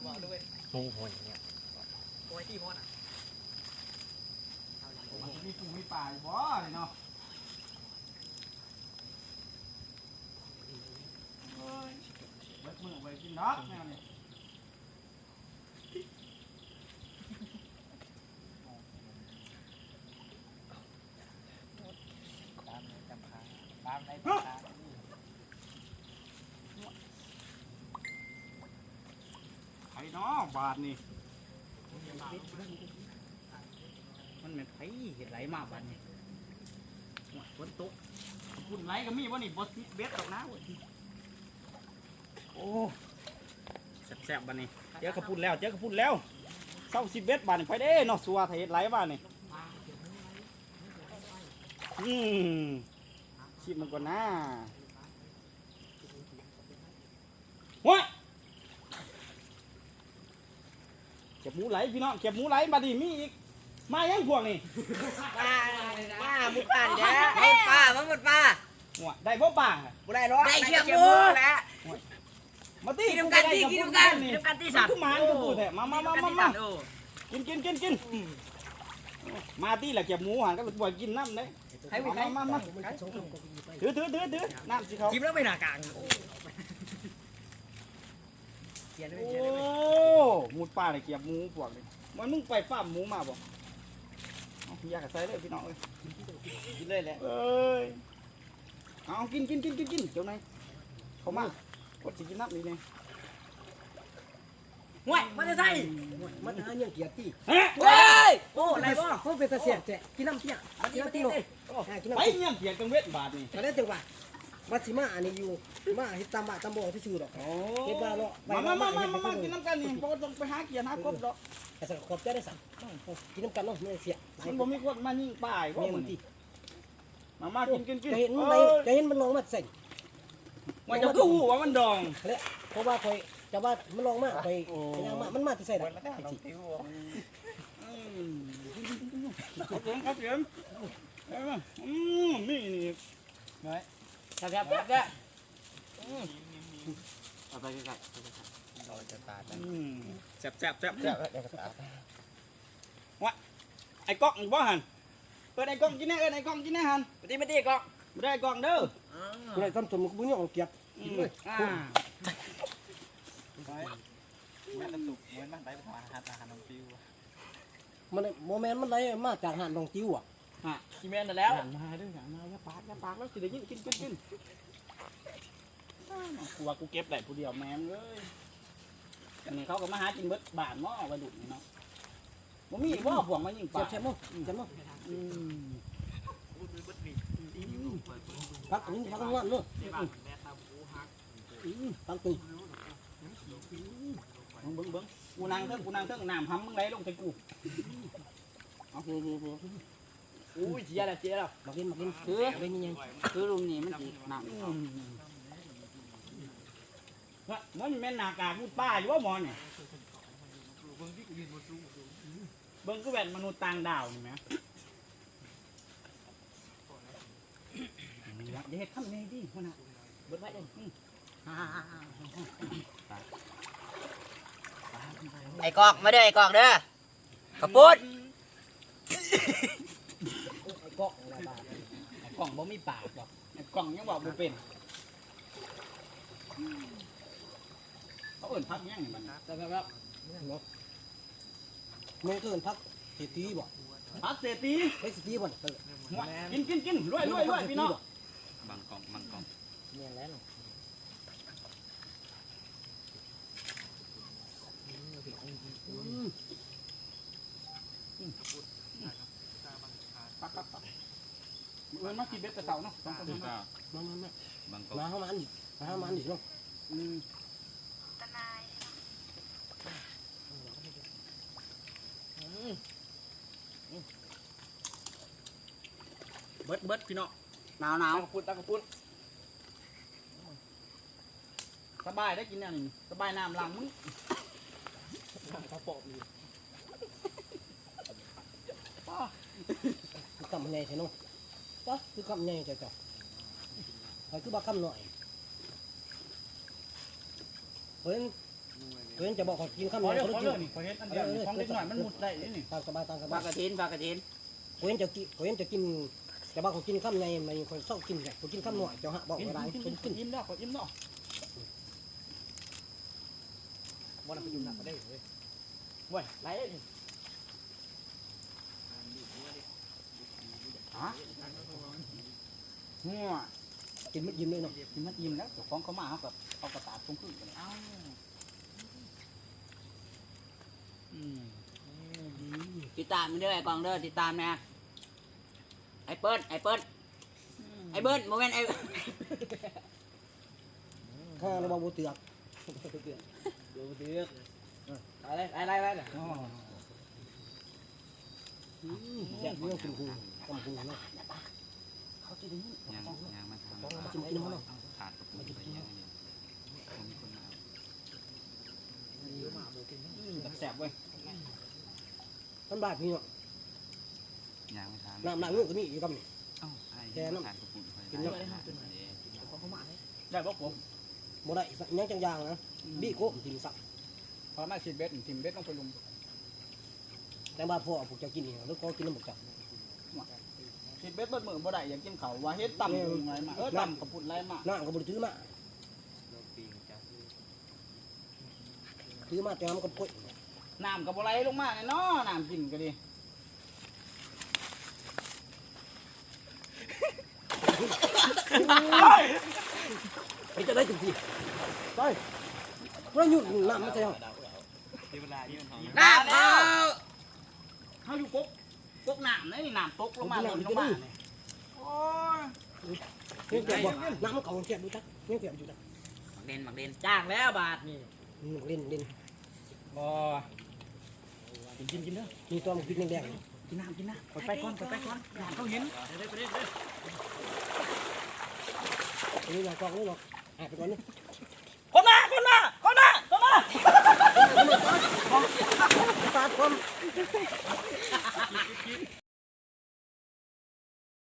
งูหัวอย่างเงี้ยโอ้ยที่มอดอ่ะมีปูมีป่าอยู่บ่เลยเนาะเบิดมือไปกินน็อกแนวนี้ตามในจำพาตามในจำพาไอ้น้องบาทนี่มันเป็นไผเห็ดไหลมากบาทนี่ฝนตกฝุ่นไหลก็มีวะนี่บดเบ็ดตกน้ำโอ้แซ่บๆบาทนี่เจอกระปุ่นแล้วเเศร้า10 เบ็ดบาทนี่ไปเด้เนาะสัวไทยเห็ดไหลบาทนี่ชิมมันก่อนนะว้าเก็บหมูไหลพี่น้องเก็บหมูไหลมาดิมีอีกมายังพวกนี่ป้ามุดป่าเด้อมุดป่ามุดป่าหัวได้บ่ป่าบุได้ร้อยได้เชือกมูแล้วมาตีกินน้ำกันตีกินน้ำกันกินน้ำกันตีสัตว์ทุกหมานกระปูแท้มากินมาตีแหละเก็บหมูหันก็บ่กินน้ำเด้ให้ไปไหนมาถือน้ำสิเขาจิ้มแล้วไม่หนากลางโอ้หมูป่าเลยเก็บหมูพวกนี้มันมึงไปฟาร์มหมูมาบ่อยากใส่เลยพี่น้องเอ้ยกินเลยแหละเอ้ยเอากินเจ้านายเขามากดสิกินน้ำนี่ไงห่วยมันจะใส่มันหาเนี่ยเกียรติเฮ้ยเฮ้ยโอ้อะไรบ่เขาเป็นตาเสียแจกินน้ำเตี้ยมันตีมันตีกินน้ำไปเตี้ยเนี่ยเถียงกันเวทบาทนี่แต่ได้จังหวะมาสิมาอันนี้อยู่มาเฮ็ดตามบ้านตามบ่อที่ซื่อดอกโอ้เฮ็ดบ้านเลาะมากินน้ำกันนี่เพราะต้องไปหาเกียร์หากบดอกแต่สักขอบใจได้สั่งกินน้ำกันเนาะไม่เสียมันบ่มีคนมายิงป่ายว่าเนี่ยมัมัน นที่มากินจะเห็นมันจะเห็นมันลองมาใส่ว่าจะกู้ว่ามันดองแล้วเพราะว่าคอยจะว่ามันลองมาไปยังมามันมาที่ใส่ดอกครับเสียมนี่ครับเอาไปใกล้ๆเราจะตากันแซ่บวะไอ้กล้องบ่หันเปิดไอ้กล้องกินแน่ไอ้กล้องกินแน่หันมาตีก่อนไม่ได้กล้องเด้อกูได้ทำสมมุติกูเนี่ยเอาเกียบแม่ตะตุกเหมือนมันไปหาอาหารน้องฟิวมันโมเมนต์มันไหลมาจากหาดลองติ้วอ่ะซีเมนต์แล้วมาด้วยกันมาอย่าปากแล้วสิได้ยินกินกูว่ากูเก็บได้ผู้เดียวแม่มเลยอันนี้เขาก็มาหากินเบิดบานหม้อไปดุนี่เนาะบ่มีบ่พวงมายิงปลาเจ็บมั้งพักนี้พักงานเนาะพักตีเบิ่งกูนั่งเทิงน้ำห้ำมึงไหลลงใส่กูเอาอุ้ยเจียแล้วมากินคือเป็นยังคือลุมนี่มันสิน้ำมันแม่นหน้ากากพูดป้าอยู่ว่าหมอนี่เบิ่งก็แว่นมนุษย์ต่างดาวนี่แม่อย่าเฮ็ดคำนี้ดิพ่อน่ะเบิดไว้เด้อไอ้กอกมาเด้อไอ้กอกเด้อกระปุดไอ้กอกอะไรบ้างไอ้กล่องบ่มีปากหรอกไอ้กล่องยังบอกบ่เป็นเขาเอิ้นพักยังนี่มันแต่แบบไม่เกินพักเศรษฐีบ่พักเศรษฐีเศรษฐีบ่กินรวยพี่น้องบางกล่องเนี่ยแล้วปักเอิ้นมากินเบ็ดแต่เช้าเนาะต้องคือก็มาบางกล่องมาเข้ามาอันนี้มาเข้ามาอันนี้เนาะเบิดพี่น้องหนาวตะกระปุ้นสบายได้กินแนวนี้สบายน้ำล้างมึงเขาปอบอยู่คำใหญ่ใช่เนาะจ้ะคือคำใหญ่จ้ะจ้ะใครคือบักคำหน่อยเฮ้ยเพื่อนจะบอกขอกินข้าวเหขนีอยวเรื่องเขาขอกิเรื่อน งนี่ขอเฮ็ดอันเดียวนี่ของเล็กหน่อยมันมุดได้นี่ตามสบายตามสปลาบายกระถินปลากระถินเพื่อนจะกินแต่ว่าเขากินข้าวในมันคนชอบกินแบบเขากินข้าวหน่อยเจ้าฮะบอกอะไรกินคนกินยิ้มเนาะขอยิ้มเนาะบ่นำไปอยู่หนักก็ได้เว้ยเว้ยไรนี่ฮะหัวกินไม่ยิ้มเลยเนาะกินมันอิ่มแล้วเจ้าของเขามาเขากับเอากระตาตรงขึ้นกันเอ้าติดตามมันเด้อไอ้กองเด้อติดตามนะไอ้เปิ้ลไอ้เบิ้ลโมเมนต์ไอ้ข้าเราบอกบูเตือกดูเดือดอะไรเลยอ๋อแย่เรื่องคุณครูกำคูเนาะเขาจะได้ยินยังมาทำมาจิ้มกินมันเนาะขาดกระปุกไปยังไงผมมีคนมาแสบเว้ยมันบาดนี่เนาะยังไม่ทานน้ำงูก็มีอยู่กับนี่เอ้าไอ้ขาดกระปุกไปได้ได้บอกผมบ่ได้ยังจังยางนะบี้โก้กินสักพอมาฉีดเบ็ดทีมเบ็ดต้องไปลุมแต่บ้านพ่อผมจะกินนี่แล้วก็กินน้ำหมกจับฉีดเบ็ดเบิดมือบ่ได้อยากกินเขาว่าเฮ็ดต่ำอะไรมาต่ำกระปุ่นไรมาน้ำก็บริถือมาถือมาแต่มันก็ป่วยน้ำกับบ่ไหลลงมาเนาะน้ำกินก็ดีไปจะได้ถึงทีไปเราหยุดน้ำไม่ใช่หรอที่เวลาที่มันหอมน้ำเอาเขาอยู่กน้ำนี่น้ำตกลงมาลงมาเนี่ยโอ้ยนี่เก็บบ่น้ำมันเก่าเก็บดูจักนี่เก็บอยู่จักหมักเด่นจ้างแล้วบาทนี่เล่นบ่กินเด้อมีตัวมันพริกแดงกินน้ำไปก่อนน้ำเขาเห็นนี่เรากองนี่เนาะไปก่อนนี่